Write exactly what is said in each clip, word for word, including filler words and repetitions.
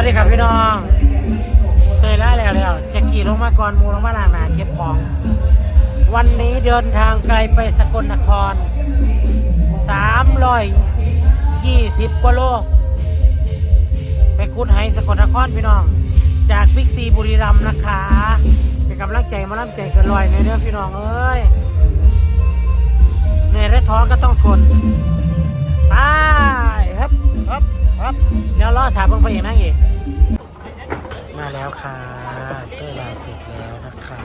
ดีครับพี่น้องเตยล่าแล้วแล้วจะขี่ลงมาก่อนมูลงมาลางนาเก็บของวันนี้เดินทางไกลไปสกลนครสามร้อยยี่สิบกว่าโลไปคุดไฮสกลนครพี่น้องจากบิ๊กซีบุรีรัมย์นะคะเป็นกำลังใจมาล่ำใจเกินลอยในเรื่องพี่น้องเอ้ยในระท้องก็ต้องทนตายครับครับครับเดี๋ยวรอถามเพิ่งไปอย่างนั้นอีกมาแล้วค่ะเต้ยลาเสร็จแล้วนะคะ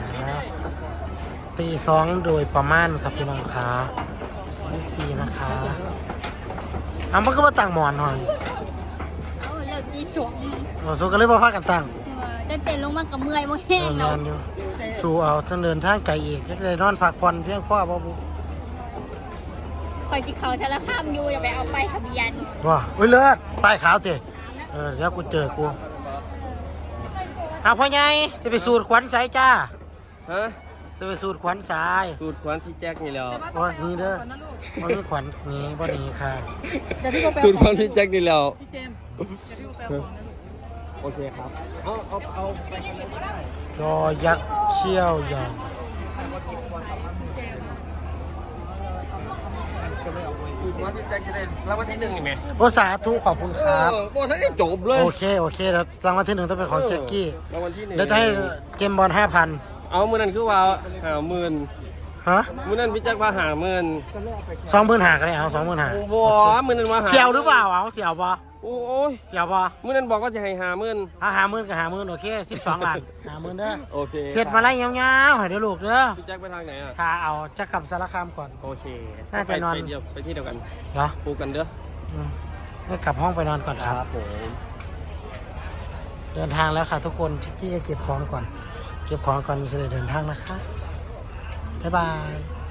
ตีสองโดยประมาณครับพี่น้องคะบิ๊กซีนะคะอ่ะมันก็มาตั้งหมอนหน่อยเอาเลิกตีสองหมอสู้กันเลยมาพากันตั้งจะเต้นลงมากับเมื่อยโมแห้งแล้วสู้เอาต้องเดินทางไกลอีกจะได้นอนพักผ่อนเพียงพอบ่บุคอยจิเขาชะละข้ามอยู่อย่าไปเอาไปทะเบียนว้าอุ้ยเลิศป้ายขาวเตะเออเดี๋ยวกูเจอกูเอาพ่อใหญ่จะไปสูดขวัญสายจ้าฮะจะไปสูดขวัญสายสูดขวัญที่แจ็คนี่แล้วโอ้ยนี่เด้อมันมีขวัญนี้บ่นี้ค่ะสูดขวัญที่แจ็คนี่แล้วโอเคครับเอาเอาเอายอยักษ์เชี่ยวใหญ่สูดขวัญที่แจ็คจะได้รางวัลที่หนึ่งนี่ไหมโอ้สาธุขอบคุณครับโอ้ท่านได้จบเลยโอเคโอเคแล้วรางวัลที่หนึ่งต้องเป็นของแจ็คกี้รางวัลที่หนึ่งเดี๋ยวจะให้เกมบอลห้าพันเอามือนั่นคือว่าหาหมื่นฮะมือนั่นพี่แจ็คว่าหาหมื่นสองหมื่นหากันเลยเอาสองหมื่นหาบัวมือนั่นว่าหาเสี่ยวหรือเปล่าเอาเสี่ยวปะโอ้ยเสี่ยวปะมือนั่นบอกว่าจะให้หาหมื่นเอาหาหมื่นกับหาหมื่นโอเคสิบสองล้านหาหมื่นเด้อโอเคเสร็จมาไล่ยาวๆให้เดี๋ยวลูกเด้อพี่แจ็คไปทางไหนอ่ะถ้าเอาจะกลับสารคามก่อนโอเคน่าจะนอนไปเดียวไปที่เดียวกันเหรอปูกันเด้อให้กลับห้องไปนอนก่อนครับผมเดินทางแล้วค่ะทุกคนชิคกี้จะเก็บของก่อนเก็บของก่อนจะได้เดินทางนะคะบ๊ายบาย